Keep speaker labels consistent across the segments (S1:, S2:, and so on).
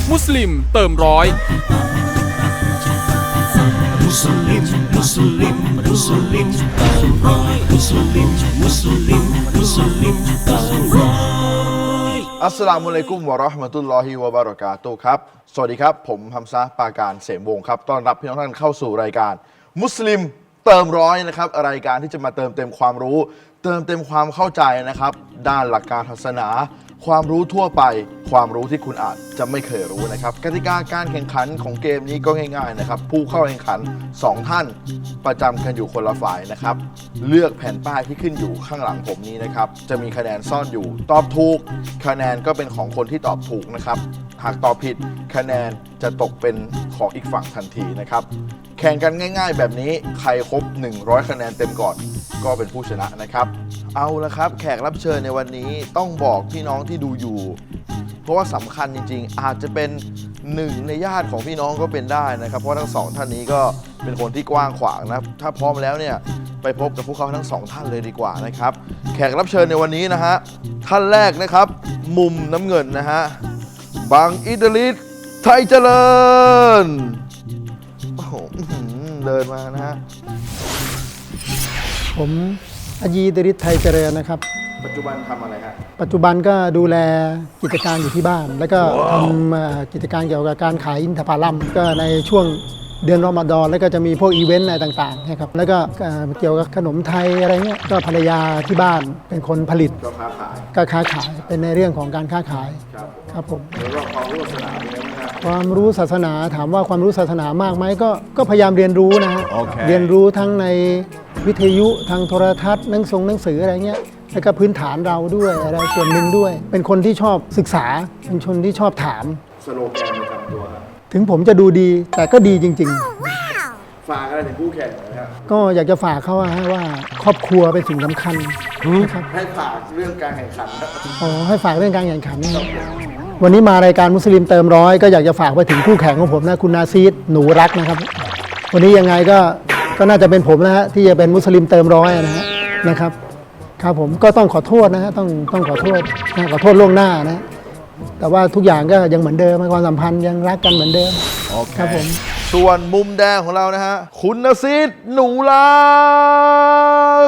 S1: มุสลิมเติมร้อย
S2: มุสลิมมุสลิมมุสลิมเติมร้อยมุสลิมมุสลิมมุสลิมเติมร้อย
S3: อัสสลามุอะลัยกุมวะเราะห์มะตุลลอฮิวะบะเราะกาตุฮ์ครับสวัสดีครับผมฮัมซะห์ปาการเสมวงศ์ครับต้อนรับพี่น้องท่านเข้าสู่รายการมุสลิมเติมร้อยนะครับรายการที่จะมาเติมเต็มความรู้เติมเต็มความเข้าใจนะครับด้านหลักการศาสนาความรู้ทั่วไปความรู้ที่คุณอาจจะไม่เคยรู้นะครับกติกาการแข่งขันของเกมนี้ก็ง่ายๆนะครับผู้เข้าแข่งขัน2ท่านประจำกันอยู่คนละฝ่ายนะครับเลือกแผ่นป้ายที่ขึ้นอยู่ข้างหลังผมนี้นะครับจะมีคะแนนซ่อนอยู่ตอบถูกคะแนนก็เป็นของคนที่ตอบถูกนะครับหากตอบผิดคะแนนจะตกเป็นของอีกฝั่งทันทีนะครับแข่งกันง่ายๆแบบนี้ใครครบ100คะแนนเต็มก่อนก็เป็นผู้ชนะนะครับเอาละครับแขกรับเชิญในวันนี้ต้องบอกพี่น้องที่ดูอยู่เพราะว่าสำคัญจริงๆอาจจะเป็นหนึ่งในญาติของพี่น้องก็เป็นได้นะครับเพราะทั้งสองท่านนี้ก็เป็นคนที่กว้างขวางนะถ้าพร้อมแล้วเนี่ยไปพบกับพวกเขาทั้งสองท่านเลยดีกว่านะครับแขกรับเชิญในวันนี้นะฮะท่านแรกนะครับมุมน้ำเงินนะฮะบังอิดริสไทยเจริญโอ้โหเดินมานะฮะ
S4: ผมอายีดริศไทยเจริญนะครับ
S3: ปัจจุบันทำอะไรฮะ
S4: ปัจจุบันก็ดูแลกิจการอยู่ที่บ้าน แล้วก็ทำกิจการเกี่ยวกับการขายอินทผลัมก็ในช่วงเดือนรอมฎอนแล้วก็จะมีพวกอีเวนต์อะไรต่างๆนะครับแล้วก็เกี่ยวกับขนมไทยอะไรเงี้ยก็ภรรยาที่บ้านเป็นคนผลิต
S3: ก็ค้าขาย
S4: เป็นในเรื่องของการค้าขายครับผม
S3: แล้วก็ความรู้ศาสนาเป็นไงบ้างครับ
S4: ความรู้ศาสนาถามว่าความรู้ศาสนามากไหมก็พยายามเรียนรู้นะฮะเรียนรู้ทั้งในวิทยุทางโทรทัศน์หนังสืออะไรเงี้ยแล้วก็พื้นฐานเราด้วยอะไรส่วนหนึ่งด้วยเป็นคนที่ชอบศึกษาเป็นคนที่ชอบถาม
S3: สโลแกนประจำตัว
S4: ถึงผมจะดูดีแต่ก็ดีจริง
S3: ๆฝากอะไรถึงคู่แข่งนะครับ
S4: ก็อยากจะฝากเขาว่าครอบครัวเป็นสิ่งสำคัญนะครับ
S3: ให้ฝากเรื่องการแข่งขัน
S4: ให้ฝากเรื่องการแข่งขันวันนี้มารายการมุสลิมเติมร้อยก็อยากจะฝากไปถึงคู่แข่งของผมนะคุณนาซีดหนูรักนะครับวันนี้ยังไงก็น่าจะเป็นผมนะฮะที่จะเป็นมุสลิมเติมร้อยนะครับครับผมก็ต้องขอโทษนะฮะต้องขอโทษล่วงหน้านะแต่ว่าทุกอย่างก็ยังเหมือนเดิมความสัมพันธ์ยังรักกันเหมือนเดิมครับผม
S3: ส่วนมุมแดงของเรานะฮะคุณนาซีดหนูรัก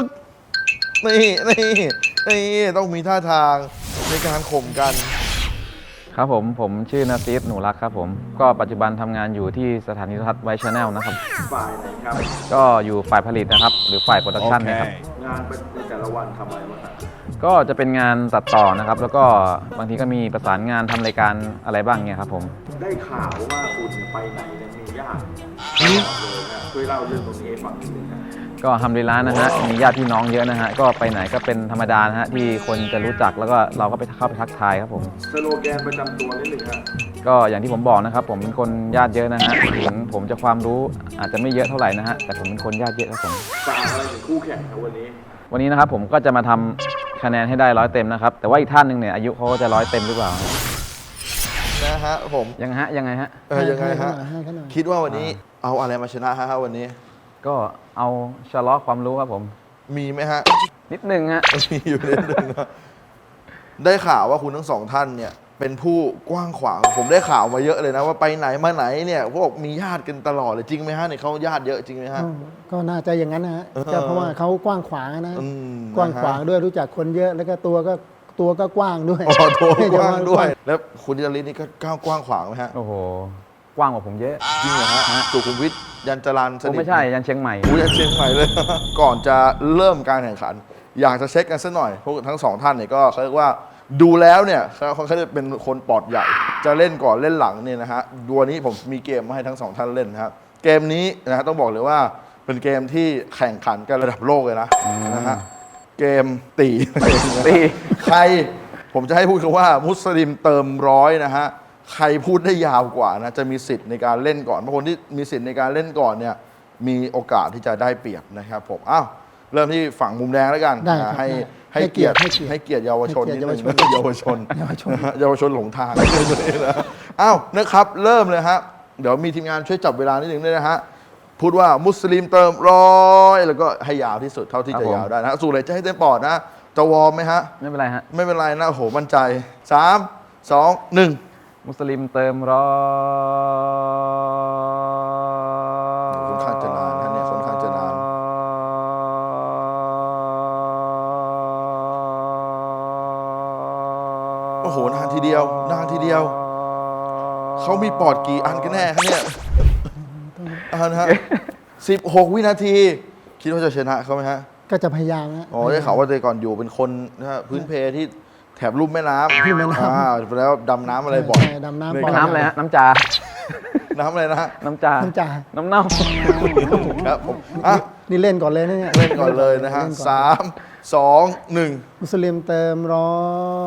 S3: นี่ต้องมีท่าทางในการข่มกัน
S5: ครับผมชื่อนาซีดหนูรักครับผมก็ปัจจุบันทำงานอยู่ที่สถานีโทรทัศน์ไวท์ชาแนลนะครับ
S3: ฝ่ายไหนครับ
S5: ก็อยู่ฝ่ายผลิตนะครับหรือฝ่ายโปรดักชันนะครับ
S3: งานในแต่ละวันทำอะไรบ้างครับ
S5: ก็จะเป็นงานตัดต่อนะครับแล้วก็บางทีก็มีประสานงานทำรายการอะไรบ้างเนี่ยครับผม
S3: ได้ข่าวว่าคุณไปไหนเนี่ยมีญาติเลยนะช่วยเล่าเรื่องตรงนี้ให้ฟังนิดนึงครับ
S5: ก็ทำดีร้านนะฮะมีญาติพี่น้องเยอะนะฮะก็ไปไหนก็เป็นธรรมดานะฮะที่คนจะรู้จักแล้วก็เราก็ไปเข้าไปทักทายครับผม
S3: สโลแกนประจำตัวนิดนึงครับ
S5: ก็อย่างที่ผมบอกนะครับผมเป็นคนญาติเยอะนะฮะถึงผมจะความรู้อาจจะไม่เยอะเท่าไหร่นะฮะแต่ผมเป็นคนญาติเยอะครับผม
S3: ฝากอะไรถึงคู่แข่งครับ
S5: วันนี้นะครับผมก็จะมาทำคะแนนให้ได้100 เต็มนะครับแต่ว่าอีกท่านหนึ่งเนี่ยอายุเขาก็จะ100 เต็มหรือเปล่า
S3: นะฮะผม
S5: ยังไงฮะ
S3: ยังไงฮะคิดว่าวันนี้เอาอะไรมาชนะฮะวันนี้
S5: ก็เอาชะลอความรู้ครับผม
S3: มีไหมฮะ
S5: นิดนึงฮะ
S3: มีอยู่นิดนึงได้ข่าวว่าคุณทั้งสองท่านเนี่ยเป็นผู้กว้างขวางผมได้ข่าวมาเยอะเลยนะว่าไปไหนมาไหนเนี่ยพวกมีญาติกันตลอดเลยจริงไหมฮะเนี่ยเขาญาติเยอะจริงไหมฮะ
S4: ก็น่าจะอย่างนั้นนะฮะเพราะว่าเขากว้างขวางนะกว้างขวางด้วยรู้จักคนเยอะแล้วก็ตัวก็กว้างด้วย
S3: ตัวกว้างด้วยแล้วคุณจริตนี่ก็กว้างขวางไหมฮะ
S5: โอ้โหกว้างกว่าผมเยอะ
S3: จริงเหรอฮะสุขุมวิทยันจรัญสนิท
S5: ไม่ใช่ยันเชียงใหม่
S3: ยันเชียงใหม่เลยก่อนจะเริ่มการแข่งขันอยากจะเช็คกันสักหน่อยพวกทั้งสองท่านเนี่ยก็เขาเรียกว่าดูแล้วเนี่ยเขาจะเป็นคนปอดใหญ่จะเล่นก่อนเล่นหลังเนี่ยนะฮะวันนี้ผมมีเกมมาให้ทั้งสองท่านเล่นนะครับเกมนี้นะฮะต้องบอกเลยว่าเป็นเกมที่แข่งขันกันระดับโลกเลยนะฮะเกมตีใครผมจะให้พูดคำว่ามุสลิมเติมร้อยนะฮะใครพูดได้ยาวกว่านะจะมีสิทธิ์ในการเล่นก่อนเพราะคนที่มีสิทธิ์ในการเล่นก่อนเนี่ยมีโอกาสที่จะได้เปรียบนะครับผมเริ่มที่ฝั่งมุมแดงแล้วกันให้เกียรติเยาวชนนิดนึงเยาวชนหลงทางนะครับเริ่มเลยฮะเดี๋ยวมีทีมงานช่วยจับเวลานิดนึงด้วยนะฮะพูดว่ามุสลิมเติมร้อยแล้วก็ให้ยาวที่สุดเท่าที่จะยาวได้นะสูดเลยจะให้เต็มปอดนะจะวอร์มไหมฮะ
S5: ไม่เป็นไรฮะ
S3: ไม่เป็นไรนะโอ้โหมั่นใจ3 2 1
S5: มุสลิมเติมร้อย
S3: ค่อนข้างจะนานนะเนี่ยค่อนข้างจะนานโอ้โหนานทีเดียวนานทีเดียวเขามีปอดกี่อันกันแน่ครับเนี่ยนะฮะ16 วินาที คิดว่าจะชนะเขาไหมฮะ
S4: ก็จะพยายามนะ
S3: อ๋อได้ข่าวว่าแต่ก่อนอยู่เป็นคนนะฮะพื้นเพที่แถบลุ่มแม่น้ำ
S4: ลุ่มแม่น้ำ
S3: แล้วดำน้ำอะไรบ่อย
S4: ใช่ดำน้ำ
S3: เลย
S4: บ่อย
S5: น้ำอะไรฮะ น้ำจา
S3: น้ำอะไรนะฮะ
S5: น้ำจา
S4: น้ำจ่า
S5: น้ำเน่า
S3: ครับผมอ่ะ
S4: นี่เล่นก่อนเลยนะเนี่ย
S3: เล่นก่อนเลยนะฮะ
S4: ล่ก่อ
S3: 3 2 1
S4: มุสลิมเติมร้อย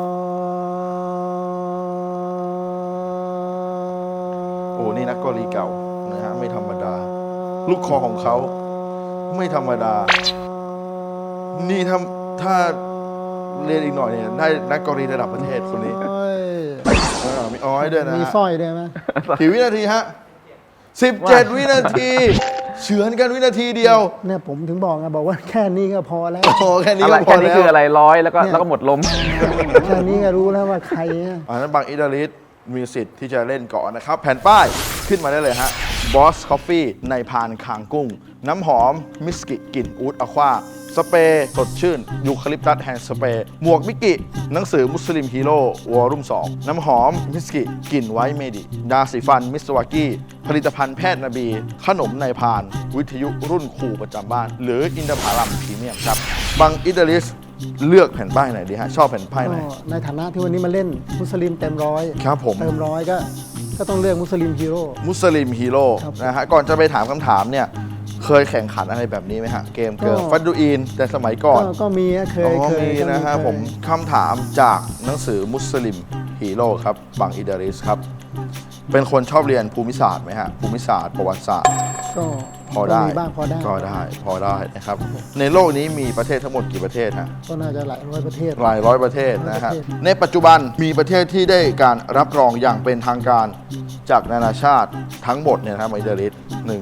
S3: โอ้นี่นักกอลีเก่านะฮะไม่ธรรมดา ลูกคอของเขาไม่ธรรมดา นี่ถ้าเรียนอีกหน่อยเนี่ยได้นักกอลีระดับประเทศคนนี้
S4: โอ้ย
S3: มีอ้อยด้วยนะ
S4: มี
S3: ฮะ
S4: สร้อยด้วยไหม
S3: กี่วินาทีฮะ 17 วินาทีเฉือนกันวินาทีเดียว
S4: เนี่ยผมถึงบอกไงบอกว่าแค่นี้ก็พอแล้ว
S3: โอ้แค่นี้
S5: อะไร
S3: ก็พ
S5: แค่
S3: อ
S5: นี้
S3: แล้ว
S5: คืออะไรร้อยแล้วก็
S4: เนี่ย
S5: แล้วก็หมดลม
S4: แค่นี้ก็รู้แล้วว่าใครอะ
S3: อันนั้นบางอิตาลีมีสิทธิ์ที่จะเล่นก่อนนะครับ แผ่นป้ายขึ้นมาได้เลยฮะ Boss Coffee ในพานคางกุ้ง น้ำหอมมิสกิกลิ่นอูดอะควาสเปรย์สดชื่นยูคาลิปตัสแฮนด์สเปรย์หมวกมิกิ หนังสือมุสลิมฮีโร่วอลุ่ม2น้ำหอมมิสกิกลิ่นไวท์เมดิยาสีฟันมิสวากี้ผลิตภัณฑ์แพทย์นบี ขนมในพาน วิทยุรุ่นคู่ประจำบ้าน หรืออินทผลัมพรีเมียมครับบางอิตาลีเลือกแผ่นป้ายไหนดีฮะชอบแผ่นป้ายไหน
S4: ก็ในฐานะที่วันนี้มาเล่นมุสลิมเต็มร้อย
S3: ครับผม
S4: เติมร้อยก็ต้องเลือกมุสลิมฮีโร่
S3: มุสลิมฮีโร่
S4: ครับ
S3: นะฮะก่อนจะไปถามคำถามเนี่ยเคยแข่งขันอะไรแบบนี้ไหมฮะ เกมเกิร์ล
S4: ก็
S3: ฟัดดูอินแต่สมัยก่อน
S4: ก็มีนะเค
S3: อ๋
S4: ย
S3: อ
S4: เคย
S3: มี
S4: ก็
S3: นะฮะ
S4: เคย
S3: ผมคำถามจากหนังสือมุสลิมฮีโร่ครับบังอิดาริสครับ เป็นคนชอบเรียนภูมิศาสตร์ไหมฮะ ภูมิศาสตร์ประวัติศาสตร์
S4: ก็
S3: พอได้
S4: มีบ้างพอได้
S3: ก็ได้พอได้นะครับ ในโลกนี้มีประเทศทั้งหมดกี่ประเทศฮะ
S4: ก็น่าจะหลายร้อยประเทศ
S3: หลายร้อยประเทศนะฮะ
S4: ประเทศ
S3: ในปัจจุบันมีประเทศที่ได้การรับรองอย่างเป็นทางการจากนานาชาติทั้งหมดเนี่ยนะครับอิตาลี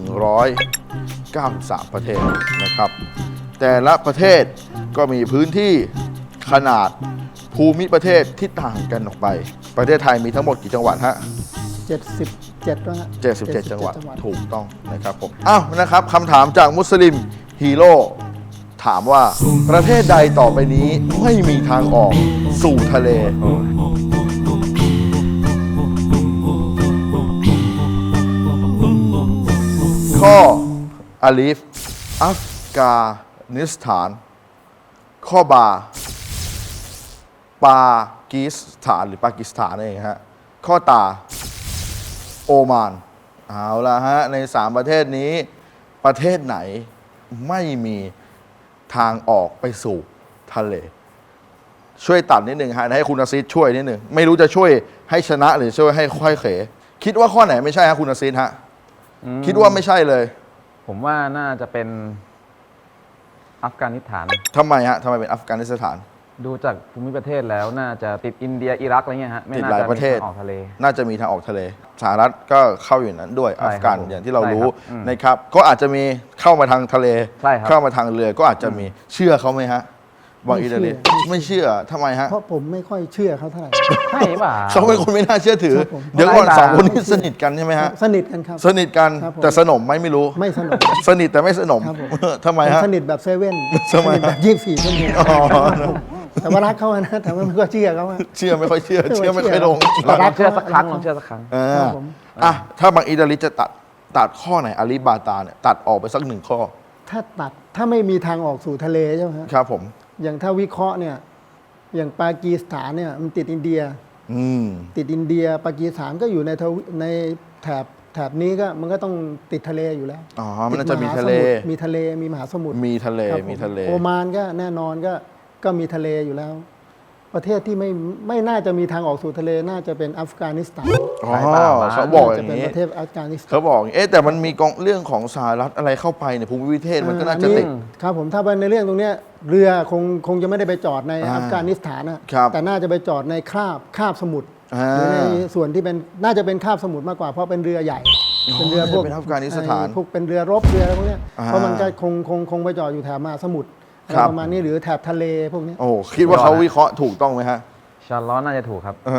S3: 193 ประเทศนะครับ แต่ละประเทศก็มีพื้นที่ขนาดภูมิประเทศที่ต่างกันออกไป ประเทศไทยมีทั้งหมดกี่จังหวัดฮะ
S4: 77แล้วฮะ
S3: 77 จังหวัดถูกต้องนะครับผมอ้าวนะครับคำถามจากมุสลิมฮีโร่ถามว่าประเทศใดต่อไปนี้ไม่มีทางออกสู่ทะเล ข้ออาลีฟอัฟกานิสถาน ข้อบาปากีสถานหรือปากีสถานเองฮะข้อตาโอมานเอาละฮะใน 3 ประเทศนี้ประเทศไหนไม่มีทางออกไปสู่ทะเล ช่วยตัดนิดหนึ่งฮะให้คุณอาซิดช่วยนิดหนึ่งไม่รู้จะช่วยให้ชนะหรือช่วยให้ค่อยเขคิดว่าข้อไหนไม่ใช่ฮะคุณอาซิดฮะคิดว่าไม่ใช่เลย
S5: ผมว่าน่าจะเป็นอัฟกานิสถาน
S3: ทำไมฮะทำไมเป็นอัฟกานิสถาน
S5: ดูจากภูมิประเทศแล้วน่าจะติดอินเดียอิรักอะไรเงี้ยฮะไม่
S3: ติด
S5: น่า
S3: หลาย
S5: จะ
S3: ประเทศ
S5: มีทางออกทะเล
S3: น่าจะมีทางออกทะเลสหรัฐก็เข้าอยู่นั้นด้วย
S5: ใช่
S3: อัฟกัน
S5: ครับผม
S3: อย่างที่เรา
S5: ใช่
S3: รู้
S5: ครับอืม
S3: นะครับก็อาจจะมีเข้ามาทางทะเล
S5: ใช่ครับ
S3: เข้ามาทางเรือก็อาจจะมีเชื่อเขาไหมฮะบางอิตาลีไม่เชื่อทำไมฮะ
S4: เพราะผมไม่ค่อยเชื่อเขาเท่าไหร่
S5: ใช่ป่ะ
S3: เขาเป็นคนไม่น่าเชื่อถือ
S4: ครับผม
S3: เดี๋ยวก่อน
S5: ไร้
S3: ส
S5: ตา
S3: องคนนี้สนิทกันใช่ไหมฮะ
S4: สนิทกันครับ
S3: สนิทกัน
S4: ครับผม
S3: แต่สนมไหมไม่รู้
S4: ไม่สนุก
S3: สนิทแต่ไม่สนม
S4: ครับผม
S3: ทำไมฮะ
S4: สนิทแบบเซเว่น
S3: ทำไม
S4: สนิทแบบ24 ชั่วโมง
S3: อ๋อ
S4: แต่ว่ารักเขาอะนะแต่ว่าไม่ก็เชื่อเขาอะ
S3: เชื่อไม่ค่อยเชื่อ เชื่อไม่ค่อยลง
S4: แต่
S5: ล
S4: รั
S5: อก งเชื่อสักครั้งลองเชื่อสักครั้ง
S3: อ่า
S4: ครับผม
S3: อ่ะถ้าบางอิตาลีจะตัดข้อไหนอาลีบาตาเนี่ยตัดออกไปสักหนึ่งข้อ
S4: ถ้าไม่มีทางออกสู่ทะเลใช่ไหมฮะ
S3: ครับผม
S4: อย่างถ้าวิเคราะห์เนี่ยอย่างปากีสถานเนี่ยมันติดอินเดีย
S3: อืม
S4: ติดอินเดียปากีสถานก็อยู่ในแถบนี้ก็มันก็ต้องติดทะเลอยู่แล้ว
S3: อ๋อมันน่าจะมีทะเล
S4: มีทะเลมีมหาสมุทร
S3: มีทะเล
S4: ครับผ
S3: มีทะเล
S4: โอมานก็แน่นอนก็มีทะเลอยู่แล้ว ประเทศที่ไม่น่าจะมีทางออกสู่ทะเลน่าจะเป็นอัฟกานิสถาน
S3: อ๋อ
S5: สายป่าวะ
S3: เขาบอกอ
S4: จะ
S3: ย่าง
S4: เป็น
S3: นี้
S4: ประเทศอัฟกานิสถาน
S3: เขาบอกอย่างนี้แต่มันมีกองเรื่องของสหรัฐอะไรเข้าไปเนี่ยภูมิประเทศมันก็น่าจะติด
S4: ครับผมถ้าเป็นในเรื่องตรงเนี้ยเรือคงจะไม่ได้ไปจอดใน
S3: อ่า
S4: อัฟกานิสถานนะครับ แต่น่าจะไปจอดในคาบสมุทร
S3: อ่า
S4: หรือในส่วนที่เป็นน่าจะเป็นคาบสมุทรมากกว่าเพราะเป็นเรือใหญ่ เป็นเรือพวก
S3: เป็นอัฟกานิสถาน
S4: พวกเป็นเรือรบเรืออะไรพวกเนี้ย
S3: อ่า
S4: เพราะมันก็คงไปจอดอยู่แถบมหาสมุทรอะไร
S3: ครับ
S4: ประมาณนี้หรือแถบทะเลพวกเนี้ย
S3: โอ้คิดว่าเขาวิเคราะห์ถูกต้องไหมฮะ
S5: ชาร์ลอตน่าจะถูกครับ
S3: เออ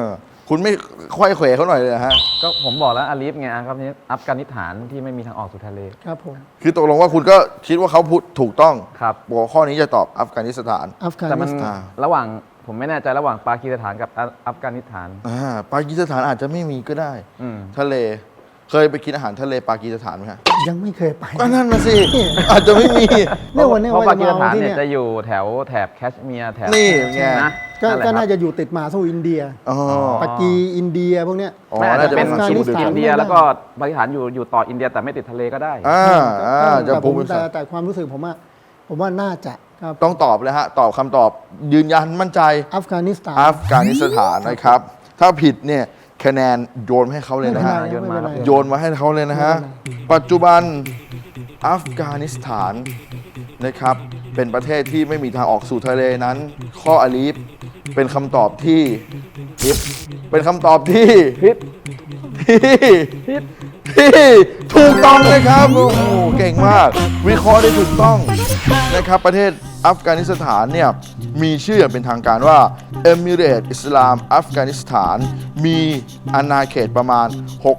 S3: คุณไม่ค่อยเขวเขาหน่อยเลยเหรอฮะ
S5: ก็ผมบอกแล้วอาลีฟไงครับนี่อัฟกานิสถานที่ไม่มีทางออกสู่ทะเล
S4: ครับผม
S3: คือตกลงว่าคุณก็คิดว่าเขาพูดถูกต้อง
S5: ครับ
S3: บอกว่าข้อนี้จะตอบอัฟกานิสถาน
S4: อัฟกา
S5: แต่
S4: นิ
S5: มัน
S4: สถาน
S5: ระหว่างผมไม่แน่ใจระหว่างปากีสถานกับอัฟกานิสถาน
S3: ปากีสถานอาจจะไม่มีก็ได้
S5: อืม
S3: ทะเลเคยไปกินอาหารทะเลปากีสถานไหมฮะ
S4: ยังไม่เคยไป
S3: ก็นั่นมาสิ อาจจะไม่มี
S4: เนี่ยวันนี้
S5: เพราะ
S4: ว่า
S5: ปา
S4: จะ
S5: กีส
S4: มา
S5: ถาน
S4: ที่
S5: เนี่ย
S4: เนี่ย
S5: จะอยู่แถบแคชเมียร์แถบ
S3: นี่ไง
S5: นะ
S4: ก็
S5: นั่นแหละ
S4: ก็
S5: ครับ
S4: น่าจะอยู่ติดมหาสมุทรอินเดีย
S3: อ๋อ
S4: ปากีอินเดียพวกเนี้ย
S3: อ๋อ
S5: ไม่อาจ
S3: น่า
S5: จะ
S3: จะ
S5: เป็
S3: เป็น น
S4: อัฟกานิสถาน
S5: อินเดียแล้วก็ปากีสถานอยู่ต่ออินเดียแต่ไม่ติดทะเลก็ได้
S3: จะ
S4: แต่
S3: พู
S4: ผ
S3: ด
S4: มแต่ความรู้สึกผมว่าน่าจะครับ
S3: ต้องตอบเลยฮะ ตอบคำตอบยืนยันมั่นใจ
S4: อัฟกานิสถาน
S3: อัฟกานิสถานนะครับ ถ้าผิดเนี่ยคะแนนโยนให้เขาเลยนะฮะ
S4: ไม่เป็นไร
S3: โยนมาให้เขาเลยนะฮะ ปัจจุบันอัฟกานิสถานนะครับเป็นประเทศที่ไม่มีทางออกสู่ทะเลนั้น ข้ออาลีฟเป็นคำตอบที่ผิดเป็นคำตอบที่
S5: พิษ
S3: ที่ถูกต้องนะครับโอ้โหเก่งมาก วิเคราะห์ได้ถูกต้องนะครับประเทศอัฟกานิสถานเนี่ยมีชื่ออย่างเป็นทางการว่าเอมิเรตอิสลามอัฟกานิสถาน มีอาณาเขตประมาณ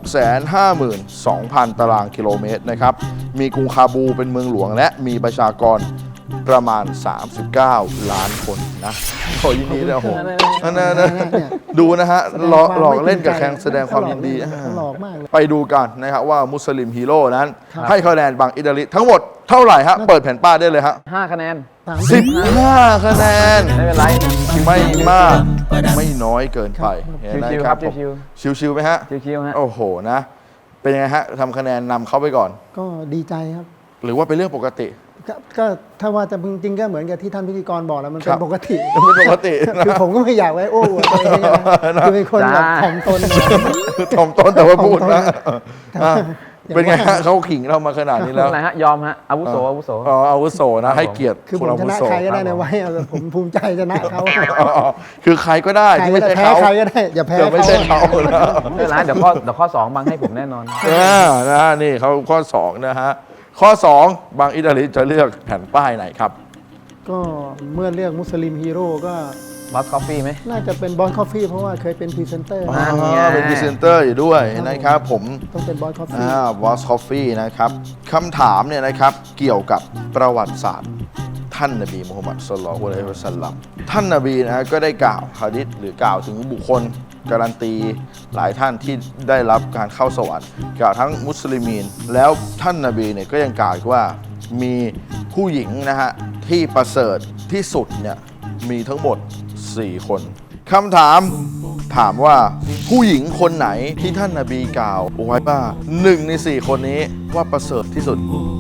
S3: 652,000 ตารางกิโลเมตรนะครับมีกรุงคาบูเป็นเมืองหลวงและมีประชากรประมาณ 39 ล้านคนนะขอยินดีด้วยโอ้โหนั่นดูนะฮะหลอกเล่นกับแข่งแสดงความยินดี
S4: หลอกมากเลย
S3: ไปดูกันนะครับว่ามุสลิมฮีโร่นั้น
S4: ครับ
S3: ให้คะแนนบางอิตาลีทั้งหมดเท่าไหร่ฮะ เปิดแผ่นป้ายได้เลยฮะ
S5: 5 คะแนน
S3: 15 คะแนน
S5: ไม่เป็นไร
S3: ไม่มาก ไม่น้อยเกินไปเห็นไหม
S5: ชิวๆ
S3: ค
S5: ครั
S3: รับบ ผม ชิวๆไหมฮะ
S5: ชิวๆฮะ
S3: โอ้โหนะ เป็นยังไงฮะทำคะแนนนำเขาไปก่อน
S4: ก็ดีใจครับ
S3: หรือว่าเป็นเรื่องปกติ
S4: ก็ถ้าว่าจะจริงๆก็เหมือนกับที่ท่านพิธีกรบอกแล้วมัน
S3: ค
S4: เป็
S3: รับ
S4: นปกติ
S3: เป็นปกตินะ
S4: คือผมก็ไม่อยากไว้โอ้อวดตัวเองนะคือเป็นคนแบบถ่อมตน
S3: ถ่อมต้นแต่ว่าพูดนะ
S4: ถ่อมตน
S3: เป็นไงฮะเขาขิงเรามาขนาดนี้
S5: ไม่
S3: แล้ว
S5: เป็นไรฮะ ยอมฮะ อาวุโส อาวุโส
S3: อ๋ออาวุโสนะให้เกียรติ
S4: คือผม
S3: อา
S4: ช
S3: วุ
S4: นะ
S3: โส
S4: ใครก็ได้ในไว้เอาแต่ผมภูมิใจชนะเขา
S3: อ๋อคือใครก็ได้
S4: ใคร
S3: ที่
S4: ก็
S3: ไม่
S4: ได้
S3: ใช่
S4: แพ้
S3: เขา
S4: ใครก็ได้อย่าแพ้
S3: แต่ไม่ใช่
S4: เขา
S3: เขานะ
S5: ไม่เป็นไรเดี๋ยวข้อ 2 บังให้ผมแน่นอน
S3: นะนี่เขาข้อ 2 นะฮะ ข้อ 2 บางอิตาลีจะเลือกแผ่นป้ายไหนครับ
S4: ก็เมื่อเลือกมุสลิมฮีโร่ก็
S5: บอสคอฟฟี่ไหม
S4: น่าจะเป็นบอสคอฟฟี่เพราะว่าเคยเป็นพรีเซนเตอร์
S5: นั่นไง
S3: เป็นพรีเซนเตอร์อยู่ด้วยนะครับผม
S4: ต้องเป็นบอสคอฟฟี่
S3: บอสคอฟฟี่นะครับคำถามเนี่ยนะครับเกี่ยวกับประวัติศาสตร์ท่านนบีมุฮัมมัดศ็อลลัลลอฮุอะลัยฮิวะซัลลัมท่านนบีนะฮะก็ได้กล่าวหะดีษหรือกล่าวถึงบุคคลการันตีหลายท่านที่ได้รับการเข้าสวรรค์กล่าวทั้งมุสลิมีนแล้วท่านนบีเนี่ยก็ยังกล่าวอีกว่ามีผู้หญิงนะฮะที่ประเสริฐที่สุดเนี่ยมีทั้งหมด 4 คนคำถามว่าผู้หญิงคนไหนที่ท่านนบีกล่าวไว้ว่า1 ใน 4 คนนี้ว่าประเสริฐที่สุด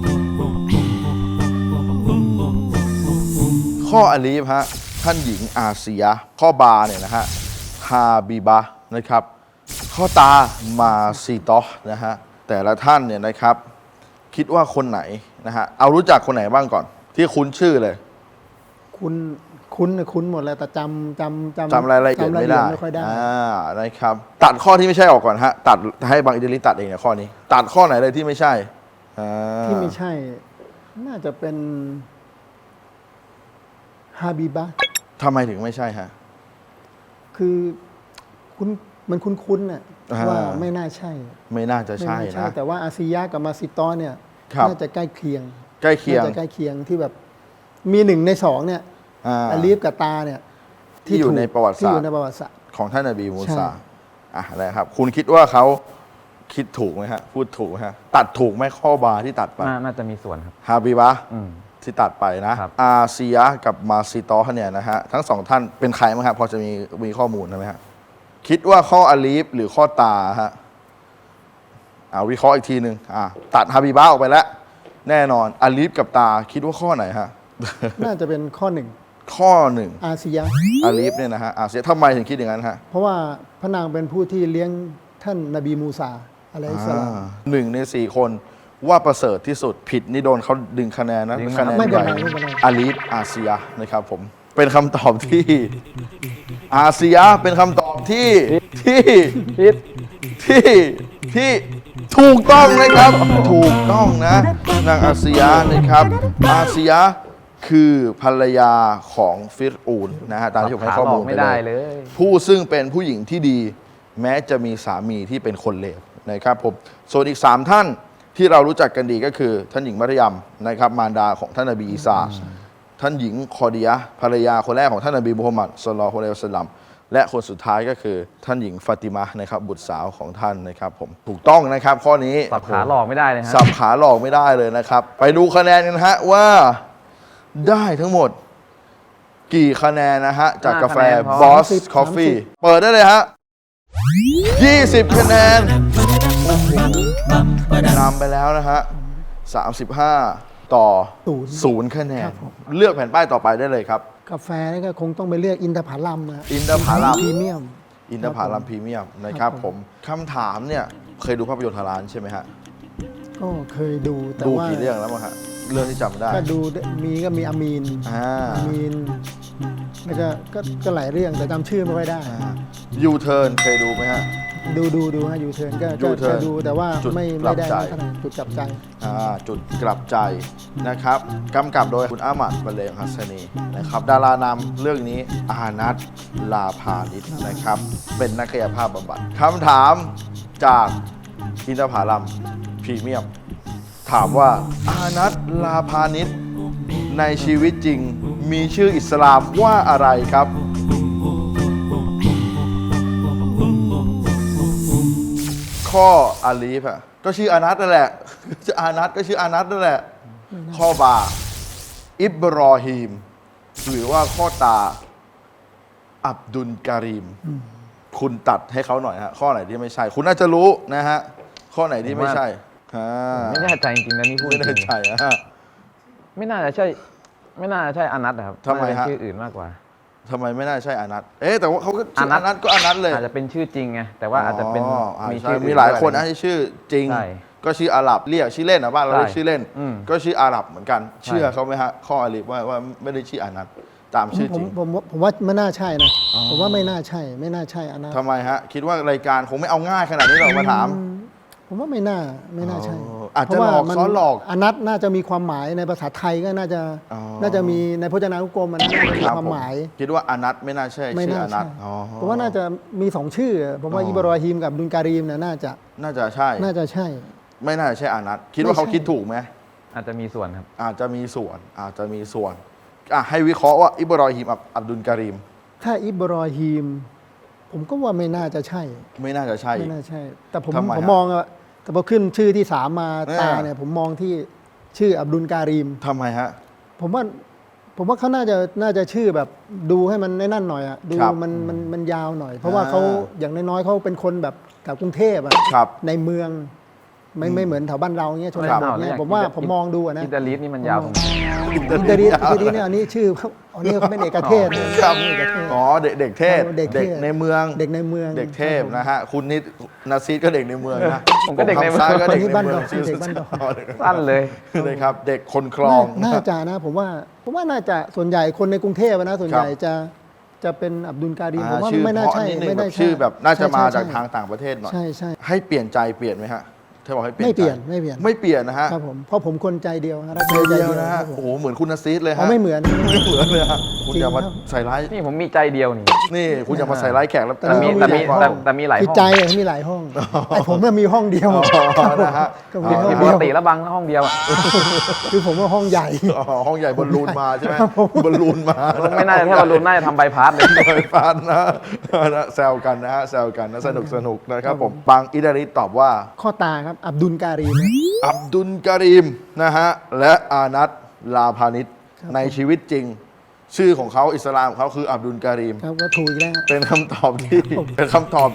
S3: ข้ออาลีฟฮะท่านหญิงอาเซียข้อบาเนี่ยนะฮะฮาบิบะนะครับข้อตามาซีตอนะฮะแต่ละท่านเนี่ยนะครับคิดว่าคนไหนนะฮะเอารู้จักคนไหนบ้างก่อน ที่คุ้นชื่อเลย
S4: คุ้นหมดแล้วแต่จำ
S3: รายละเอียดไม่ได้
S4: ไม่ค่อยได้
S3: นะครับตัดข้อที่ไม่ใช่ออกก่อนฮะตัดให้บางอิตาลีตัดเองเนี่ยข้อนี้ ตัดข้อไหนเลยที่ไม่ใช่
S4: ที่ไม่ใช่ น่าจะเป็นฮาบิบะ
S3: ทำไมถึงไม่ใช่ฮะ
S4: คือมันคุ้นๆน่ะ
S3: อ่า
S4: ว่าไม่น่าใช่
S3: ไม่น่าจะ
S4: ไม่
S3: ใช่
S4: น่าใช่
S3: นะ
S4: แต่ว่าอาซิยะกับมาซิตอเนี่ย
S3: ครับ
S4: น่าจะใกล้เคียง
S3: ใกล้เคียง
S4: น่าจะใกล้เคียงที่แบบมี1 ใน 2เนี่ย อาลีฟกับตาเนี่ย
S3: ที่อยู่ในประวัติศาสตร์
S4: ที่อยู่ในประวัติศาสตร์
S3: ของท่านนบีมู
S4: ใช่
S3: ซานะครับ คุณคิดว่าเขาคิดถูกไหมฮะ พูดถูกไหมฮะ ตัดถูกไหมข้อบาที่ตัดไป
S5: น่าจะมีส่วนครับ
S3: ฮาบิบะ
S5: อืม
S3: ที่ตัดไปนะครับ อาเซียกับมาซิตอเนี่ยนะฮะ ทั้ง 2 ท่านเป็นใครไหมครับพอจะมีข้อมูลไหมฮะ คิดว่าข้ออาลีฟหรือข้อตาฮะวิเคราะห์อีกทีหนึ่งตัดฮาบิบะออกไปแล้ว แน่นอนอาลีฟกับตาคิดว่าข้อไหนฮะ
S4: น่าจะเป็นข้อ
S3: ข้อ 1
S4: 1 อาซิยะ
S3: อาลีฟเนี่ยนะฮะอาเซียทำไมถึงคิดอย่างนั้นฮะ
S4: เพราะว่าพระนางเป็นผู้ที่เลี้ยงท่านนบีมูซาอะลัยฮิสสลาม
S3: 1 ใน 4 คนว่าประเสริฐที่สุดผิดนี่โดนเขาดึงคะแนนนะ
S5: ดึง
S3: คะแนน
S4: ไม่เป็น
S3: ใหญ่
S4: ไรไม่เป็นไร
S3: อาลีฟอาเซียนะครับผมเป็นคำตอบที่ อาเซียเป็นคำตอบที่
S5: พิษ
S3: ที่ถูกต้องนะครับ ถูกต้องนะนางอาเซียนะครับ อาเซียคือภรรยาของฟิรอูนนะฮะตามที่ผมให้ข้อมูลไป
S5: ไม่ได้
S3: เล
S5: เลย ย
S3: ผู้ซึ่งเป็นผู้หญิงที่ดีแม้จะมีสามีที่เป็นคนเลวนะครับผมส่วนอีก 3 ท่านที่เรารู้จักกันดีก็คือท่านหญิงมัรยมนะครับมารดาของท่านนบีอีสาท่านหญิงคอดียะห์ภรรยาคนแรกของท่านนบีมุฮัมมัดศ็อลลัลลอฮุอะลัยฮิวะซัลลัมและคนสุดท้ายก็คือท่านหญิงฟาติมานะครับบุตรสาวของท่านนะครับผมถูกต้องนะครับข้อนี้
S5: สับขาหลอกไม่ได้เลยฮะ
S3: สับขาหลอกไม่ได้เลยนะครับ ไปดูคะแนนกันฮะว่าได้ทั้งหมดกี่คะแนนนะฮะจากกาแฟ Boss Coffee เปิดได้เลยฮะ 20 คะแนนนำไปแล้วนะฮะ 35 ต่อ 0 คะแนน เลือกแผ่นป้ายต่อไปได้เลยครับ
S4: กาแฟนี่ก็คงต้องไปเลือกอินทผลัมนะ
S3: อินทผลัม
S4: พรีเมียม
S3: อินทผลัมพรีเมียมนะครับผมคำถามเนี่ยเคยดูภาพยนตร์ฮาลาลใช่ไหมฮะ
S4: ก็เคยดูแต่
S3: ดู
S4: ว่า
S3: กี่เรื่องแล้วมั้งฮะเรื่องที่จำได้
S4: ก็ดูก็มีอามีน อามีนแล้วก็หลายเรื่องแต่จำชื่อไม่ค่อยได้
S3: ยูเทิร์นเคยดูไหมฮะ
S4: ดูฮะยูเทิร์นก็
S3: U-turn
S4: ดูแต่ว่า
S3: จุด
S4: ไม่
S3: กลับ
S4: ได้
S3: ใจ
S4: ขนาดจุดกลับใจ
S3: จุดกลับใจนะครับกำกับโดยคุณอามัดบัลเลงฮัสซานีนะครับดารานำเรื่องนี้อานัทลาพานิชนะครับเป็นนักกายภาพบำบัดคำถามจากอินทผลัมพรีเมียม ถามว่าอานัทลาพานิชในชีวิตจริงมีชื่ออิสลามว่าอะไรครับ ข้ออาลีฟอะก็ชื่ออานัทนั่นแหละ ชื่ออานัทก็ชื่ออานัทนั่นแหละ ข้อบาอิบรอฮีม หรือว่าข้อตาอับดุลการีม คุณตัดให้เขาหน่อยฮะข้อไหนที่ไม่ใช่ คุณน่าจะรู้นะฮะข้อไหนที่ไม่ใช่อ่า
S5: ไม่แน่ใจจริงๆนะนี่พูด
S3: ไม่
S5: จ
S3: ได้
S5: ริง
S3: ใช่อะฮะ
S5: ไม่น่าจะใช่อานัทนะครับ
S3: ทำไมฮะ
S5: น่าจะเป็นชื่ออื่นมากกว่า
S3: ทำไมไม่น่าใช่อานัทแต่ว่าเขาก็ชื่อ
S5: อานั
S3: อา
S5: ท
S3: นัทก็อานัทเลย
S5: อาจจะเป็นชื่อจริงไงแต่ว่าอาจจะเป็น
S3: มี
S5: ชื่อ
S3: มีหลายคน
S5: ด้
S3: นะ
S5: ว
S3: ที่ชื่อจริง
S5: ใช่
S3: ก็ชื่ออาหรับเรียกชื่อเล่นนะบ้านเรา
S5: ใช่
S3: เรียกชื่อเล่น
S5: อืม
S3: ก็ชื่ออาหรับเหมือนกัน
S5: ใช่
S3: เชื่อเขาไหมฮะข้ออาลีฟว่าไม่ได้ชื่ออานัทตามชื่อจริง
S4: ผมว่าไม่น่าใช่นะผมว่าไม่น่าใช่อันนั้น
S3: ทำไมฮะคิดว่ารายการคงไม่เอาง่ายขนาดนี้หรอกมาถาม
S4: ผมว่าไม่น่าใช่
S3: อาจจะ
S4: เพรา
S3: หลอก
S4: ว่ามัน
S3: ซ้อนหลอก
S4: อนัตน่าจะมีความหมายในภาษาไทยก็น่าจะ
S3: อ๋อ
S4: น่าจะมีในพจนานุกรมมันน่าจะมี
S3: รับ
S4: ความหมาย
S3: ผคิดว่าอานัทไม่น่าใช่
S4: ไม่
S3: ชื่อ
S4: น่า
S3: อานั
S4: ใช่
S3: ทอ๋อ
S4: ผมว่าน่าจะมีสองชื่อผมว่าอิบรอฮีมกับดุลการีมเนี่ยน่าจะ
S3: น่าจะใช่
S4: น่าจะใช่
S3: ไม่น่าจะใช่อานัทคิดว่า
S4: ไม่ใช่
S3: เขาคิดถูกไหม
S5: อาจจะมีส่วนครับ
S3: อาจจะมีส่วนให้วิเคราะห์ว่าอิบรอฮิมอับดุลการีม
S4: ถ้าอิบรอฮีม ผมก็ว่าไม่น่าจะใช่
S3: ไม่น่าจะใช่
S4: ไม่น่าใช่ แต่ผม
S3: ทำไมฮะ
S4: มองอะแต่พอขึ้นชื่อที่สามมา
S3: อ่า
S4: ตาเนี่ยผมมองที่ชื่ออับดุลการีม
S3: ทำไมฮะ
S4: ผมว่าเขาน่าจะชื่อแบบดูให้มันนั่นหน่อยอะดู
S3: ครับ
S4: มันยาวหน่อย เพราะว่าเขาอย่างน้อยๆเขาเป็นคนแบบแถวกรุงเทพอะ
S3: ครับ
S4: ในเมืองไม่เหมือนแถวบ้านเราเงี้ยชน
S3: ครับ
S4: บทเนี่ยผมว่าผมมองดูอะนะ
S5: อินเตอร์ลีดนี่มันยาวตรงไหน
S4: อินเตอร์นีเนี่ยอันนี้ชื่อเขาอันนี้เขาเป็นเอกเทศ
S3: ครับ
S4: เอกเทศ
S3: อ๋อเด็กเทพ
S4: เด็กเทพ
S3: ในเมือง
S4: เด็กในเมือง
S3: เด็กเทพนะฮะคุณนิดนาซีดก็เด็กในเมืองนะ
S5: ผมก็เด็กในเมือง
S3: ผทำซ้ายก็เด็กใน
S4: คนนี้บ้าน
S3: เมื
S4: ด
S3: อ
S4: อง กเด็กบ้านดอก
S5: สั้นเลย
S3: เลยครับ เด็กคนคลอง
S4: น่าจะนะผมว่าน่าจะส่วนใหญ่คนในกรุงเทพอะนะส่วนใหญ่จะเป็นอับดุลการีมผมว่า
S3: ชื่อ
S4: ไม่น่า
S3: เพราะ
S4: ใช่
S3: นิดนึง
S4: ไม่
S3: แบ
S4: น่า
S3: บ
S4: ใช่
S3: ชื่อแบบน่าจะมา
S4: ใช่
S3: จากทางต่างประเทศหน่อย
S4: ใช่
S3: ให้เปลี่ยนใจเปลี่ยนไหมฮะถ้าบอกให้เปลี่ยน
S4: ไม่เปลี่ยน
S3: ใจ
S4: ไม่เปลี่ยน
S3: ไม่เปลี่ยนนะฮะ
S4: ครับผมเพราะผมคนใจเดียวรัก
S3: ใจเดียวนะฮะ
S4: ครับผม
S3: โอ้โหเหมือนคุณนาซีดเลย
S4: เขา
S3: ฮะ
S4: ไม่เหมือน
S3: ไม่เหมือนเลยฮะคุณ
S4: จริง
S3: อย่ามา
S4: ครับ
S3: ใส่ร้าย
S5: นี่ผมมีใจเดียวนี่
S3: นี่คุณอย่ามาใส่ร้ายแขกแล้ว
S5: แต่มี
S4: แต่มี
S5: แต่มีหลาย
S4: คือ
S5: ห้อง
S4: ใจอะมีหลายห้องไอ้ผมน่ะมีห้องเดียว
S3: นะฮะ
S4: ก็มีห้อง
S5: ป
S4: เดี
S5: ก
S4: ยว
S5: ติแล้วบางห้องเดียวอะ
S4: คือผมว่าห้องใหญ่
S3: อ๋อห้องใหญ่บอลลูนมาใช่ไหม
S4: ครับผม
S3: บอลลูนมา
S5: ไม่น่าจะแค่บอลลูนน่าจะทำใบพัดเลย
S3: โดยฟันนะแซวกันนะฮะแซวกันนะสนุกนะครับผมบางอิดาริตอบว่า
S4: ข้อตาครับอับดุลการีม
S3: อับดุลการีมนะฮะและอานัทลาพานิชในชีวิตจริง ชื่อของเขาอิสลามของเขาคืออับดุลการีม
S4: ครับก็ถูกอีกแล้ว
S3: เป็นคำตอบที่เป็นคำตอบ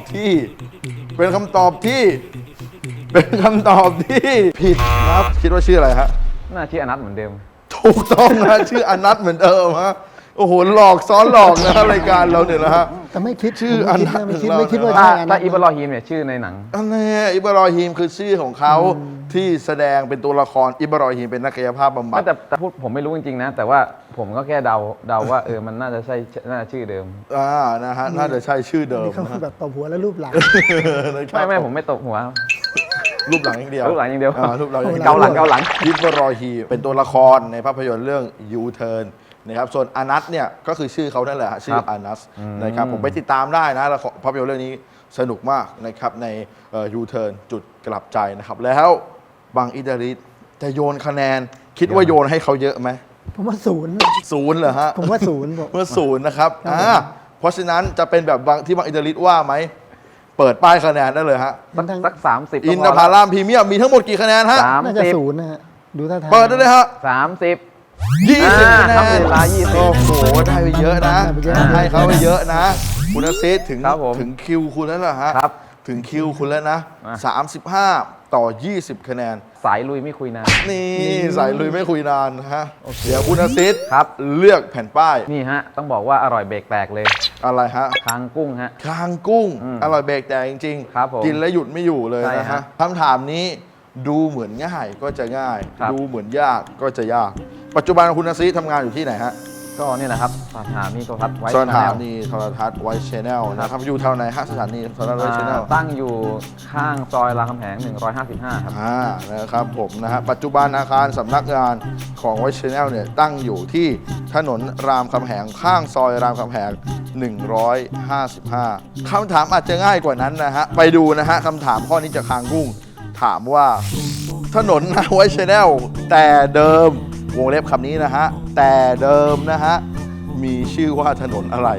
S3: ที่ผิดครับคิดว่าชื่ออะไรฮะ
S5: น่าชื่ออนัทเหมือนเดิม
S3: ถูกต้องนะชื่ออานัทเหมือนเดิมฮะโอ้โหหลอกซ้อนหลอกนะรายการเราเนี่ยนะฮะ
S4: แต่ไม่คิด
S3: ชื่อ
S4: ผมไม่คิด
S3: อันนั้น
S4: ไม่คิดว่า
S5: ถ้า
S4: ใช่อัน
S5: ถ้า
S4: นั้น
S5: อิบรอฮีมเนี่ยชื่อในหนัง
S3: อันนี้อิบรอฮีมคือชื่อของเขาที่แสดงเป็นตัวละครอิบรอฮีมเป็นนักกายภาพบำบัด
S5: แต่พูดผมไม่รู้จริงๆนะ แต่ว่าผมก็แค่เดาว่ามันน่าจะใช่น่าจะชื่อเดิม
S3: นะฮะน่าจะใช่ชื่อเดิม
S4: นี่เขา
S3: นะ
S4: แบบตบหัวแล้วรูปหลัง
S3: นะครับ
S5: ไม่ผมไม่ตบหัว
S3: รูปหลังอย่างเดียว
S5: รูปหลังอย่างเดียว
S3: รูปหลังอย่างเดียว
S5: เกาหลัง
S3: อิบรอฮีมเป็นตัวละครในภาพยนตร์เรื่อง U-Turn นะครับส่วนอานัทเนี่ยก็คือชื่อเขานั่นแหละฮะชื่ออานัสนะครับผมไปติดตามได้นะละครภาพยนตร์เรื่องนี้สนุกมากนะครับในยูเทิร์นจุดกลับใจนะครับแล้วบางอิตาลีจะโยนคะแนนคิดว่าโยนให้เขาเยอะไหม
S4: ผมว่าศูนย์
S3: ศูนย์เหรอฮะ
S4: ผมว่าศูนย์ผม
S3: เมื่อศูนย์นะครับเพราะฉะนั้นจะเป็นแบบบางที่บางอิตาลีว่าไหมเปิดป้ายคะแนนได้เลยฮะ
S5: สัก30
S3: อินทผลัมพรีเมียมมีทั้งหมดกี่คะแนนฮะ
S4: น่าจะศู
S5: 30
S4: นย์นะฮะดูท่าทาง
S3: เปิดได้เลยฮะ
S5: 30
S3: 20 คะแน
S5: ทำ
S3: น
S5: เวลา20
S3: โอ้โหได้ไปเยอะนะ
S4: ได้ไปเยอะ
S3: ให้เขาไปเยอะนะ คุณอาซิสถึง
S5: ครับผม
S3: ถึงคิวคุณแล้วเหรอฮะ
S5: ครับ
S3: ถึงคิวคุณแล้วนะ
S5: มา
S3: 35 ต่อ 20 คะแนน
S5: สายลุยไม่คุยนาน
S3: นี่สายลุยไม่คุยนานนะฮะ เดี๋ยวคุณอาซิส
S5: ครับ
S3: เลือกแผ่นป้าย
S5: นี่ฮะ ต้องบอกว่าอร่อยเบรกแตกเลย
S3: อะไรฮะ
S5: คางกุ้งฮะ
S3: คางกุ้ง
S5: อืม
S3: อร่อยเบรกแต่จริง
S5: ครับผม
S3: กินแล้วหยุดไม่อยู่เลย
S5: ใช่
S3: นะ
S5: ฮะ
S3: ฮะคำถามนี้ดูเหมือนง่ายก็จะง่าย
S5: ครับ
S3: ดูเหมือนยากก็จะยาก ปัจจุบันคุณอาซิสทำงานอยู่ที่ไหนฮะ
S5: ก็นี่แหละครับสถานีโทรทัศน์ไว้
S3: สถานีโทรทัศน์ไวท์ชแนลนะครับอยู่แถวไหนฮะสถานีโทรทัศน์ไวท์ชแนล
S5: ตั้งอยู่ข้างซอยรามคำแหง 155 ครับ
S3: นะครับผมนะฮะปัจจุบันอาคารสำนักงานของไวท์ชแนลเนี่ยตั้งอยู่ที่ถนนรามคำแหงข้างซอยรามคำแหง 155คำถามอาจจะง่ายกว่านั้นนะฮะไปดูนะฮะคำถามข้อนี้จากคางกุ้งถามว่าถนนไวท์ชแนลแต่เดิมวงเล็บคำนี้นะฮะแต่เดิมนะฮะมีชื่อว่าถนนอะไร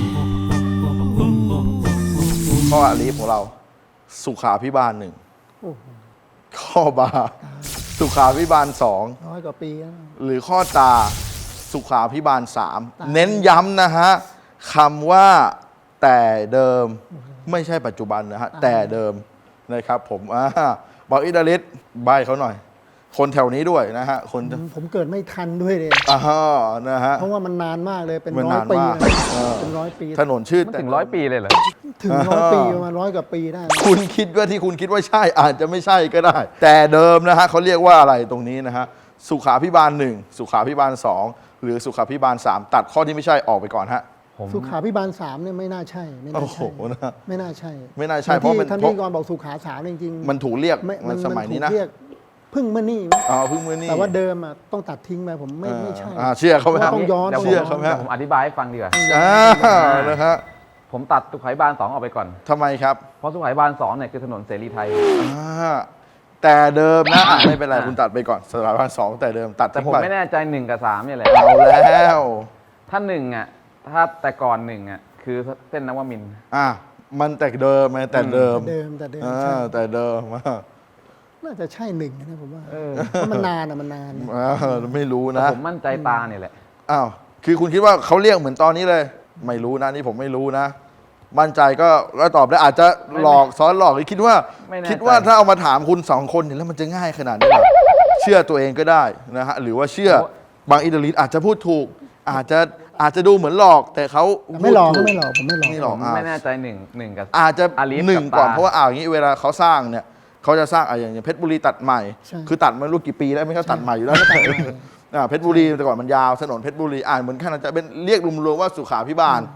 S3: ข้ออาลีฟของเราสุขาพิบาลหนึ่ง
S4: โอ้โห
S3: ข้อบาสุขาพิบาลสอง
S4: น้อยกว่าปีแล้ว
S3: หรือข้อตาสุขาพิบาลสามเน้นย้ำนะฮะคำว่าแต่เดิมไม่ใช่ปัจจุบันนะฮะแต่เดิมนะครับผมบอกอิดาลิสใบเขาหน่อย คนแถวนี้ด้วยนะฮะคน
S4: ผมเกิดไม่ทันด้วยเลย
S3: นะฮะ
S4: เพราะว่ามันนานมากเลยเป็น
S3: มัน
S4: ร้อย
S3: นาน
S4: ปี
S3: มาก
S4: นะ
S3: เออ
S4: เป็นร้อยปี
S3: ถนนชื่อ
S5: มันถึง100 ปีเลยเหรอ
S4: ถึงร้อยปีประมาณ100 กว่าปีได้นะ
S3: คุณคิดว่าที่คุณคิดว่าใช่อาจจะไม่ใช่ก็ได้ แต่เดิมนะฮะเขาเรียกว่าอะไรตรงนี้นะฮะสุขาพิบาล1สุขาพิบาล2หรือสุขาพิบาล3ตัดข้อที่ไม่ใช่ออกไปก่อนฮะ
S5: ผม
S4: สุขาพิบาล3เนี่ยไม่น่าใช่ไม่น่า
S3: โอ้โห
S4: ใช่
S3: นะ
S4: ไม่น่าใช่
S3: ไม่น่าใช่เพราะมัน
S4: ท่านพิธีกรบอกสุขา3จริงๆ
S3: มันถูกเรียก
S4: ไ
S3: มันสมัยนี้นะ
S4: ถูกเรียกพึ่งเมื่อนี่
S3: เพิ่งมือนี่
S4: แต่ว่าเดิมอ่ะต้องตัดทิ้งไปผมไม่ใช่
S3: เชื่อเขาไหมครับ
S4: ต้องย้อน
S5: เดี๋ยว
S3: เชื่อเขาไหม
S5: เดี๋ยวผมอธิบายให้ฟังดีกว่า
S3: นะฮะ
S5: ผมตัดสุขาภิบาล 2 ออกไปก่อน
S3: ทำไมครับ
S5: เพราะสุขาภิบาล 2 เนี่ยคือถนนเสรีไทย
S3: แต่เดิมนะไม่เป็นไรคุณตัดไปก่อนสถาบัน2แต่เดิมตัด
S5: แต่
S3: ทิ้ง
S5: ผม
S3: ไป
S5: ไม่แน่ใจ 1 กับ 3 เนี่ยแหละ
S3: เอาแล้ว
S5: ถ้า 1 อ่ะ ถ้าแต่ก่อน 1 อ่ะ คือเส้นนวมินทร์
S3: มันแต่เดิมไงแต่เดิม
S4: แต่เดิมใช่
S3: แต่เดิม
S4: น่าจะใช่1นะผมว่าเพราะมันนานอ่ะมันนาน
S3: ไม่รู้
S5: แต่
S3: นะ
S5: ผมมั่นใจตาเนี่ยแหละ
S3: อ้าวคือคุณคิดว่าเขาเรียกเหมือนตอนนี้เลย ไม่รู้นะนี่ผมไม่รู้นะ มั่นใจก็ตอบได้อาจจะหลอกซ้อนหลอกหรือคิดว่า
S5: ไม่แน่ใจ
S3: คิดว่าถ้าเอามาถามคุณ2คนเนี่ยแล้วมันจะง่ายขนาดนี้เหรอเชื่อตัวเองก็ได้นะฮะหรือว่าเชื่อบางอิตาลีอาจจะพูดถูก อาจจะดูเหมือนหลอกแต่เขา
S4: ไม่หลอก
S3: พูดถู
S4: ไม่หลอกผมไม่หลอก
S3: ไม่หลอก
S5: ผมไม่แน่ใจหนึ่งกับ
S3: อาจจะ
S5: อาลีฟ
S3: หนึ่ง
S5: กับ
S3: ก่อน
S5: ตา
S3: เพราะว่าอย่างนี้เวลาเขาสร้างเนี่ยเขาจะสร้างอย่างเพชรบุรีตัดใหม่
S4: ใช่
S3: คือตัดมารู้กี่ปีแล้วไม่ใช่ตัดใหม่อยู่แล้ว เพชรบุรีแต่ก่อนมันยาวถนนเพชรบุรีเหมือนกันจะเป็นเรียกรวมๆว่าสุขาพิบาล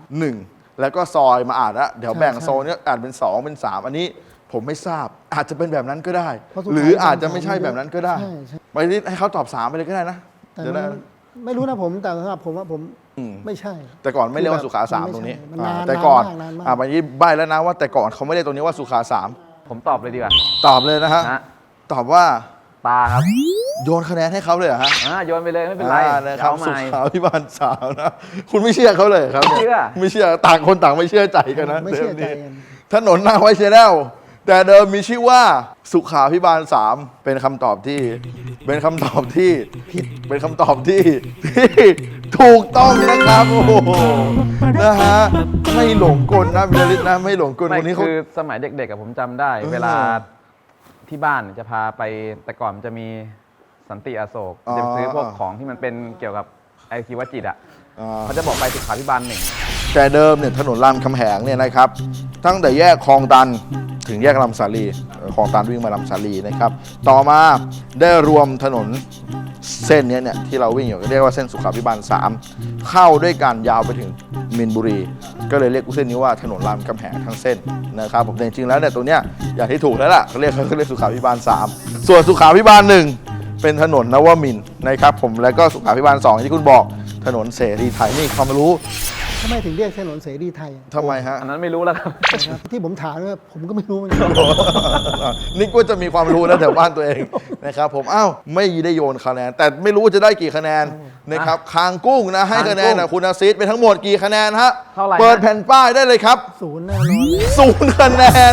S3: 1แล้วก็ซอยมาแล้วเดี๋ยวแบ่งโซนเนี้ยเป็น2เป็น3อันนี้ผมไม่ทราบอาจจะเป็นแบบนั้นก็ได้
S4: เพราะสุขา
S3: หรืออาจจะไม่ใช่แบบนั้นก็ได้
S4: ใช่
S3: ไปให้เขาตอบ3ไปเลยก็ได้นะ
S4: แต่
S3: จะ
S4: มั
S3: ได้
S4: นไม่รู้นะผมแต่สำหรับผมว่าผม
S3: อืม
S4: ไม่ใช่
S3: แต่ก่อนไม่เรียกว่าสุขา
S4: มัน
S3: 3
S4: ไม่
S3: ตรงนี้
S4: ใช่มันนาน
S3: แต่ก่อน
S4: นานมาก
S3: วันนี้ใบแล้วนะว่าแต่ก่อนเขาไม่เรียกตรงนี้ว่าสุขา3
S5: ผมตอบเลยดีกว่า
S3: ตอบเลยนะฮะ
S5: นะ
S3: ตอบว่า
S5: ตาครับ
S3: โยนคะแนนให้เขาเลยเหรอฮะ
S5: โยนไปเลยไม่เป็นไร
S3: นะครับ
S5: เอาให
S3: สุ
S5: ม่
S3: ขาพิบาลสาวนะ คุณไม่เชื่อเขาเลยครับนี่ย
S5: ไม่เชื่อ
S3: ไม่เชื่อต่างคนต่างไม่เชื่อใจกันนะ
S4: ไม่เชื่อใจ
S3: ดิม
S4: กัน
S3: ถนนหน้าไวเชแนลแต่เดิมมีชื่อว่าสุขาพิบาล3เป็นคำตอบที่เป็นคำตอบที่ผิดเป็นคำตอบที่ถูกต้องนะครับโอ้โหนะฮะไม่หลงกลนะวิลลิตนะไม่หลงกล
S5: ไม่
S3: คนนี้เขา
S5: คือสมัยเด็กๆกับผมจำได้ เวลาที่บ้านจะพาไปแต่ก่อนมันจะมีสันติอโศกจะไปซื้อพวกของที่มันเป็นเกี่ยวกับไอชีวจิตอ่ะเขาจะบอกไปสุขาภิบาล 1
S3: แต่เดิมเนี่ยถนนรามคำแหงเนี่ยนะครับตั้งแต่แยกคลองตันถึงแยกลำสาลีคลองตันวิ่งมาลำสาลีนะครับต่อมาได้รวมถนนเส้นนี้เนี่ยที่เราวิ่งอยู่เรียกว่าเส้นสุขาภิบาล3เข้าด้วยกันยาวไปถึงมินบุรี ก็เลยเรียกเส้นนี้ว่าถนนรามคำแหงทั้งเส้นนะครับผมแต่จริงๆแล้วเนี่ยตัวเนี้ยอย่างที่ถูกแล้วล่ะเขาเรียกสุขาภิบาล3ส่วนสุขาภิบาล1เป็นถนนนวมินทร์นะครับผมแล้วก็สุขาภิบาล2ที่คุณบอกถนนเสรีไทยนี่ความรู้
S4: ทำไมถึงเรียกถนนเสรีไทย
S3: ทำไมฮะ
S5: อันนั้นไม่รู้แล้วครับ
S4: นะครับที่ผมถามเนี่ยผมก็ไม่รู้เหมือนกัน
S3: นึกว่าจะมีความรู้นะแถวบ้านตัวเองนะครับผมอ้าวไม่ได้โยนคะแนน แต่ไม่รู้ว่าจะได้กี่คะแนนนะครับคางกุ้งนะให้คะแนนนะคุณอาซิดไปทั้งหมดกี่คะแนนฮะ
S5: เท่าไหร่
S3: เปิดแผ่นป้ายได้เลยครับ
S4: ศูนย์แน่นอนเลย
S3: 0 คะแนน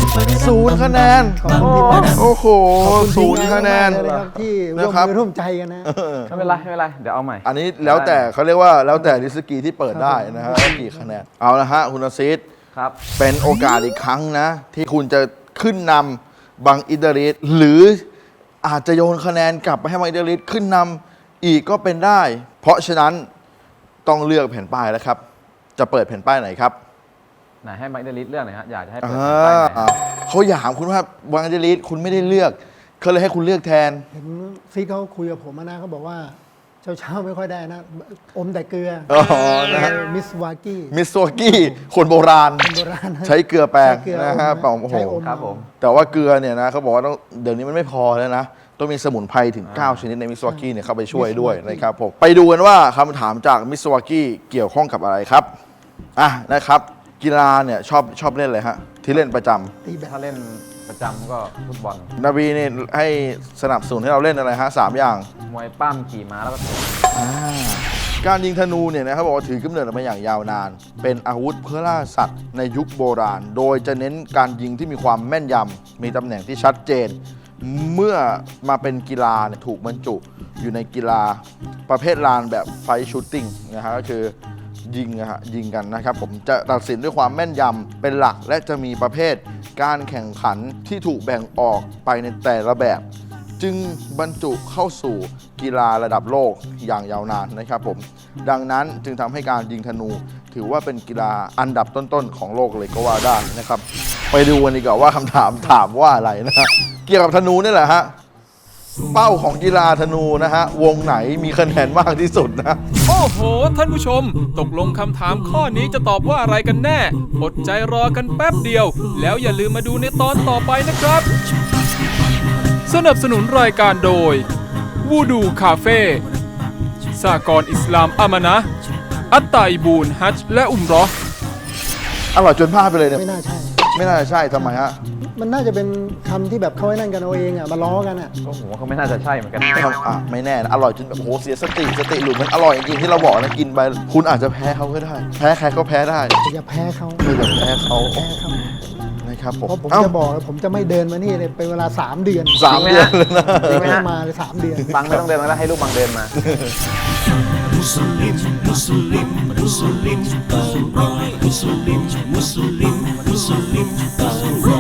S3: 0 คะแนน
S4: ขอบคุณที่มา
S3: โอ้โห
S4: ขอบคุณ
S3: 0 คะแนน
S4: มากเลยนะครับที่ร่วม
S3: นะครับ
S4: มือร่วมใจกันนะ
S5: ไม่เป็นไรไม่เป็นไรเดี๋ยวเอาใหม่
S3: อันนี้แล้วแต่เขาเรียกว่าแล้วแต่ลิสกีที่เปิดได้นะฮะว่ากี่คะแนนเอาละฮะคุณอาซิด
S5: ครับ
S3: เป็นโอกาสอีกครั้งนะ ที่คุณจะขึ้นนำบังอิดริสหรืออาจจะโยนคะแนนกลับไปให้บังอิดริสขึ้นนำอีกก็เป็นได้ เพราะฉะนั้นต้องเลือกแผ่นป้ายแล้วครับ จะเปิดแผ่นป้ายไหนครับ
S5: ไหนให้ไมค์เดลิสเรื่องหน่อยฮะอยากจะให้เปิดแผ่นป้ายไหนฮะ
S3: เขาอยากถามคุณว่าบังอิดริสคุณไม่ได้เลือกเขาเลยให้คุณเลือกแทน
S4: เห็นซีเขาคุยกับผมมานะเขาบอกว่าเช้าไม่ค่อยได้นะ อมแต่เกลือ
S3: อ๋อนะฮะ
S4: มิสวากี้
S3: มิสโซกี้คนโบราณ
S4: โบราณนะ
S3: ใช้เกลือแปลง
S4: ใช้เกลือ
S3: นะฮะ
S4: อม
S3: โอ้โห
S4: ใช้อม
S5: ครับผม
S3: แต่ว่าเกลือเนี่ยนะเขาบอกว่าต้องเดี๋ยวนี้มันไม่พอแล้วนะ ต้องมีสมุนไพรถึง 9 ชนิดในมิสวากิเนี่ยเข้าไปช่วยด้วยนะครับผมไปดูกันว่าคำถามจากมิสวากิเกี่ยวข้องกับอะไรครับอ่ะนะครับ กีฬาเนี่ยชอบเล่นอะไรฮะที่เล่นประจำ
S4: ตีแบบ
S5: ถ้าเล่นประจำก็ฟุตบอล
S3: นบีเนี่ยให้สนับสนุนให้เราเล่นอะไรฮะ3 อย่าง
S5: มวยปั้มขี่ม้าแล้วก็เตะ
S3: การยิงธนูเนี่ยนะครับบอกว่าถือกำเนิดมาอย่างยาวนาน เป็นอาวุธเพื่อล่าสัตว์ในยุคโบราณ โดยจะเน้นการยิงที่มีความแม่นยำมีตำแหน่งที่ชัดเจน เมื่อมาเป็นกีฬาเนี่ยถูกบรรจุอยู่ในกีฬาประเภทลานแบบไฟชูตติ้งนะฮะก็คือยิงนะฮะยิงกันนะครับผมจะตัดสินด้วยความแม่นยำเป็นหลักและจะมีประเภทการแข่งขันที่ถูกแบ่งออกไปในแต่ละแบบ จึงบรรจุเข้าสู่กีฬาระดับโลกอย่างยาวนานนะครับผมดังนั้นจึงทำให้การยิงธนู ถือว่าเป็นกีฬาอันดับต้นๆของโลกเลยก็ว่าได้นะครับ ไปดูกันดีกว่าว่าคำถามถามว่าอะไรนะฮะเกี่ยวกับธนูนี่แหละฮะเป้าของกีฬาธนูนะฮะวงไหนมีคะแนนมากที่สุดนะ
S1: โอ้โห ท่านผู้ชม ตกลงคำถามข้อนี้จะตอบว่าอะไรกันแน่ อดใจรอกันแป๊บเดียว แล้วอย่าลืมมาดูในตอนต่อไปนะครับ สนับสนุนรายการโดยวูดูคาเฟ่สหกรณ์อิสลามอามานะห์อัตตาอิบูนฮัจญ์และอุมเราะห์
S3: อร่อยจนพลาดไปเลยเนี่ย
S4: ไม่น่าใช่
S3: ไม่น่าจะใช่ทำไมฮะ
S4: มันน่าจะเป็นคำที่แบบเขาให้นั่นกันเอาเองอ่ะมาล้อกันอ่ะ
S5: ก็ผมว่าเขาไม่น่าจะใช่เหมือนกัน
S3: ไม่แน่นะอร่อยจนแบบโอ้โหเสียสติหลุดมันอร่อยจริงๆที่เราบอกนะกินไปคุณอาจจะแพ้เขาก็ได้ แพ้ใครก็แพ้ได้
S4: อย่าแพ้เขา
S3: ไม่ต้องแพ้เขา
S4: แพ้เขา
S3: นะครับผม
S4: เพราะผม
S3: เอ้า
S4: จะบอกเลยผมจะไม่เดินมานี่เลยเป็นเวลา 3 เดือน
S3: สามเดือนเลยนะ
S5: จริงไหม
S4: ไม่
S5: ฮะ
S4: มาเลย3 เดือน
S5: บังไม่ต้องเดินมาแล้วให้ลูกบังเดินมา
S2: Muslim, Muslim, Muslim, Muslim, Muslim, Muslim, Muslim, Muslim,